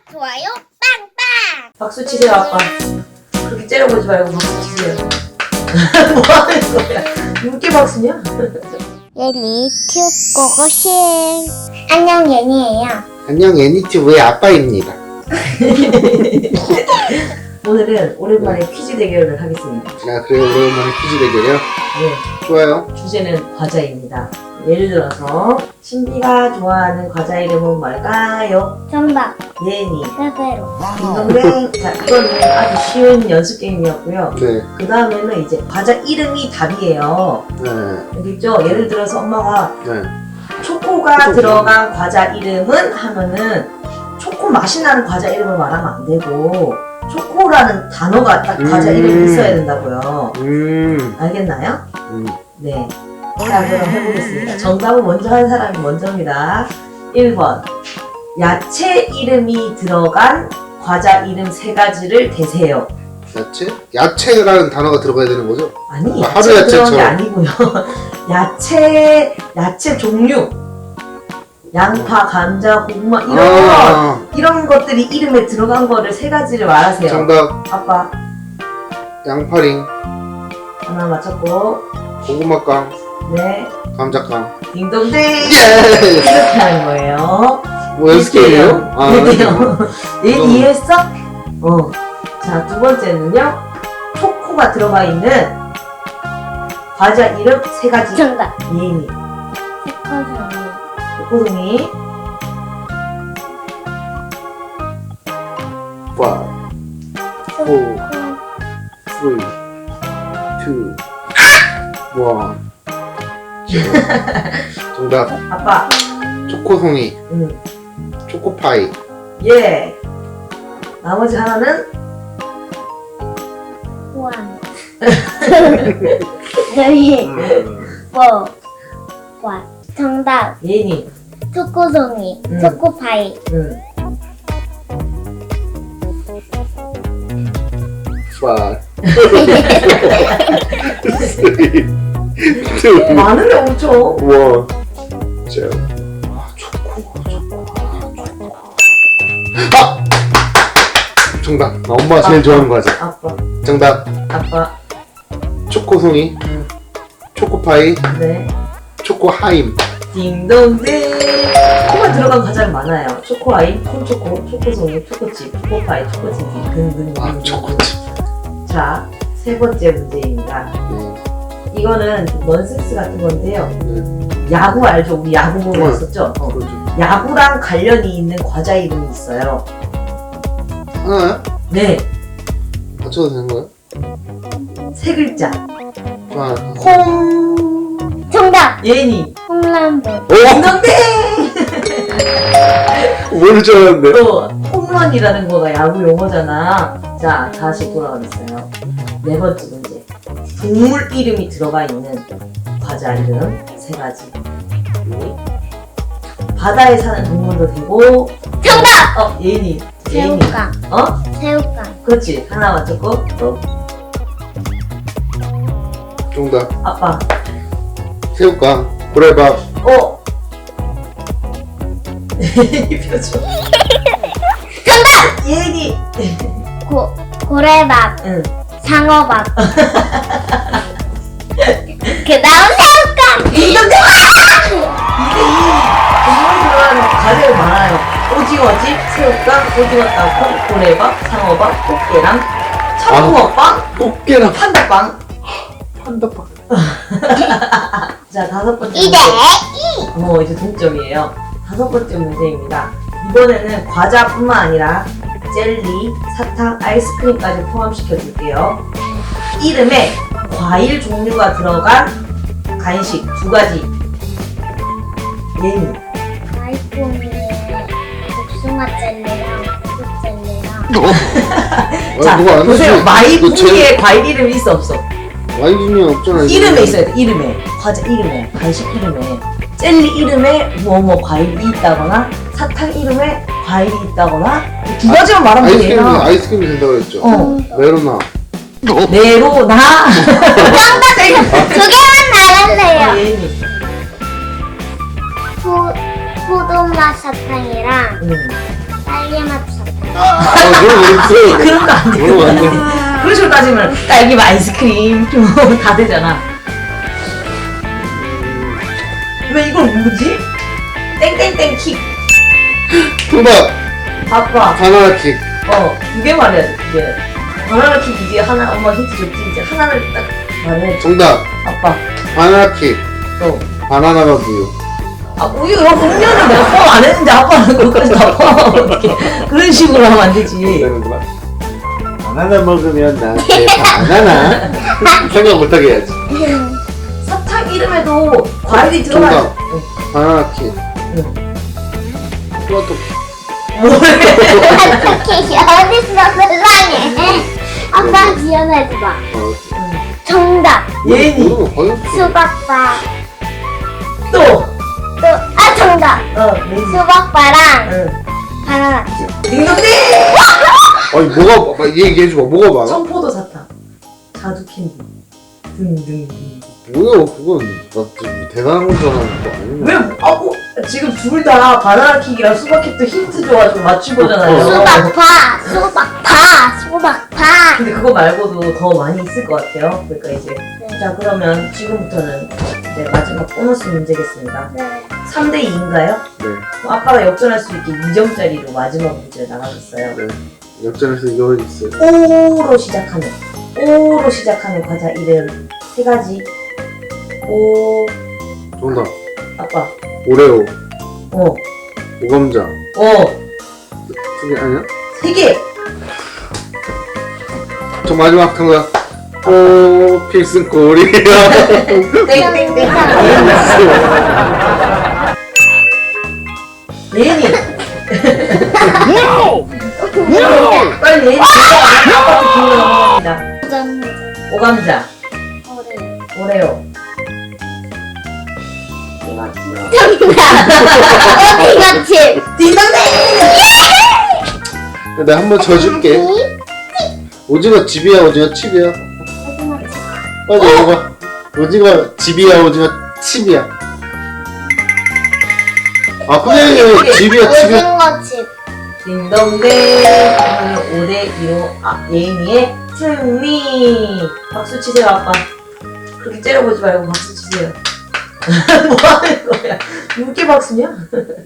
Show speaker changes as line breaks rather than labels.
좋아요 빵빵.
박수 치세요, 아빠. 그렇게 째려보지 말고 박수 치세요. 뭐 하는 거야? 윤기 박수냐?
예니 튜고고싱. 안녕 예니예요.
안녕, 애니튜브의 아빠입니다.
오늘은 오랜만에 퀴즈 대결을 하겠습니다.
자, 그래요. 오랜만에 퀴즈 대결이요?
네,
좋아요.
주제는 과자입니다. 예를 들어서 신비가 좋아하는 과자 이름은 뭘까요?
정답.
예니.
빼빼로.
딩동댕. 자, 이거는 아주 쉬운 연습 게임이었고요.
네,
그 다음에는 이제 과자 이름이 답이에요.
네,
알겠죠? 예를 들어서 엄마가
네.
초코가 들어간 과자 이름은 하면은 초코 맛이 나는 과자 이름을 말하면 안 되고 초코라는 단어가 딱 과자 이름이 있어야 된다고요. 알겠나요? 네. 자, 그럼 해보겠습니다. 정답을 먼저 한 사람이 먼저입니다. 1번. 야채 이름이 들어간 과자 이름 3가지를 대세요.
야채? 야채라는 단어가 들어가야 되는 거죠?
아니,
아, 하루
야채 들어간 게
야채처럼.
아니고요. 야채 종류. 양파, 감자, 고구마 이런 것들이 이름에 들어간 거를 3가지를 말하세요.
정답.
아빠
양파링,
하나 맞췄고,
고구마깡,
네,
감자깡.
딩동댕.
예!
이렇게 하는 거예요.
뭐 연습게임이에요? 아,
네요. 얘
좀-
이해했어? 자, 두 번째는요. 초코가 들어가 있는 과자 이름 3가지.
정답.
예니.
초코송이.
초코송이.
5, 4,
초코.
3, 2, 1. 정답.
아빠.
초코송이,
응.
초코파이.
예. 나머지 하나는
호환. 너희 와. 정답.
예니.
초코송이. 초코파이.
응.
5, 3, 2,
많은데 엄청.
1. 자, 초코. 아! 정답. 나 엄마가 제일 좋아하는 과자.
아빠.
정답.
아빠.
초코송이,
응.
초코파이,
네.
초코하임.
딩동댕. 초코가 들어간 과자는 많아요. 초코아임, 콘초코, 초코송이, 초코칩, 초코파이, 초코치즈 등등.
아, 초코칩.
자, 3번째 문제입니다.
네.
이거는 좀 넌센스 같은 건데요.
네.
야구 알죠? 우리 야구 보고
네.
왔었죠?
그렇죠.
야구랑 관련이 있는 과자 이름이 있어요.
하나요?
네,
맞춰도 되는 거예요?
3글자.
아,
홈.
정답.
예니.
홈런볼.
오!
딩동댕.
모를 줄 알았는데.
또 홈런이라는 거가 야구 용어잖아. 자, 다시 돌아가겠어요. 4번째 문제. 동물 이름이 들어가 있는 과자 이름 3가지. 바다에 사는 동물도 되고.
정답.
예니.
새우깡. 새우깡.
그렇지. 하나 맞췄고 또
정답.
아빠.
새우깡, 고래밥.
예니 표정. 정답. 예니.
고래밥.
응.
상어밥. 그 다음 새우깡.
이게 동물 들어가는 과자가 많아요. 오징어집, 새우깡, 오징어 땅콩, 고래밥, 상어밥, 꽃게랑 청붕어빵,
꽃게랑
판다빵.
판다빵.
자, 5번째 문제.
이제
이제 동점이에요. 5번째 문제입니다. 이번에는 과자뿐만 아니라 젤리, 사탕, 아이스크림까지 포함시켜줄게요. 이름에 과일 종류가 들어간 간식 2가지. 예니.
아이폰에 복숭아 젤리랑 fruit 젤리랑
자,
누가 안
보세요.
했지?
마이풍기에 과일 이름이 있어 없어?
와인이 없잖아.
이름에 있어야 돼. 이름에. 과자 이름에. 간식 이름에. 젤리 이름에 뭐뭐 과일이 있다거나 사탕 이름에 과일이 있다거나 2가지만 말하면 돼요.
아이스크림이 된다고 그랬죠? 메로나.
네로나.
두 개만 말할래요.
예니.
포도맛 사탕이랑
응.
딸기맛 사탕.
그런 거 없어요.
그런 거 안 돼.
그런 거 안 돼.
그런 식으로 따지면 딸기 아이스크림 다 되잖아. 왜 이걸 뭐지? 땡땡땡 킥.
정답.
아빠.
바나나 킥.
두 개 말해야 돼. 두 개. 바나나 킥 이제 하나 엄마 힌트 줬지. 이제 하나를 딱 말해.
정답.
아빠.
바나나 킥.
또.
바나나가 우유.
아 우유 음료는 내가 포함 안 했는데 아빠는 그것까지 다 포함하면 어떡해. 그런 식으로 하면 안 되지.
되는구나. 바나나 먹으면 나한테 바나나 생각 못하게 해야지.
사탕 이름에도 과일이 들어가야
정답. 바나나 킥.
응.
토마토 킥.
뭐래?
어떻게 어딨어 세상에. 아빠 지어내지 마. 정답.
예니.
모르는 거 거의 없어.
수박바.
또.
정답.
레니.
수박바랑
응.
바나나.
딩동댕.
아니 뭐가 얘기해줘봐. 뭐가 많아?
청포도 사탕. 자두 캔디. 등등.
뭐야 그건 나 지금 대단한 건 줄 알았는데 그거 아니네.
왜? 지금 둘 다 바나나 킥이랑 수박 킥도 힌트 줘가지고 맞추고잖아요.
수박바.
근데 그거 말고도 더 많이 있을 것 같아요. 그러니까 이제
네.
자 그러면 지금부터는 이제 마지막 보너스 문제겠습니다.
네.
3대 2인가요?
네.
아빠가 역전할 수 있게 2점짜리로 마지막 문제를 나가줬어요.
네. 역전에서 이거 있어요.
O로 시작하는 과자 이름 3가지. 오.
정답.
아빠.
오레오.
어.
오감자. 그게 아니야?
3개.
저 마지막 정답. 오 필승 코리아.
땡땡땡. 예니. 빨리 예니. 아빠도 기회 넘어갑니다. 오감자. 오레오.
이거지.
딩동댕.
내가 한번 져줄게. 오징어 집이야 오징어 칩이야? 빨리 먹어봐. 오징어 집이야 오징어 칩이야? 아 그냥 집이야 칩이야?
오징어 칩.
딩동댕. 오늘 5대2로 예인이의 승리. 박수 치세요 아빠. 그렇게 째려보지 말고 박수 치세요. 뭐 하는 거야? 6개 박수냐?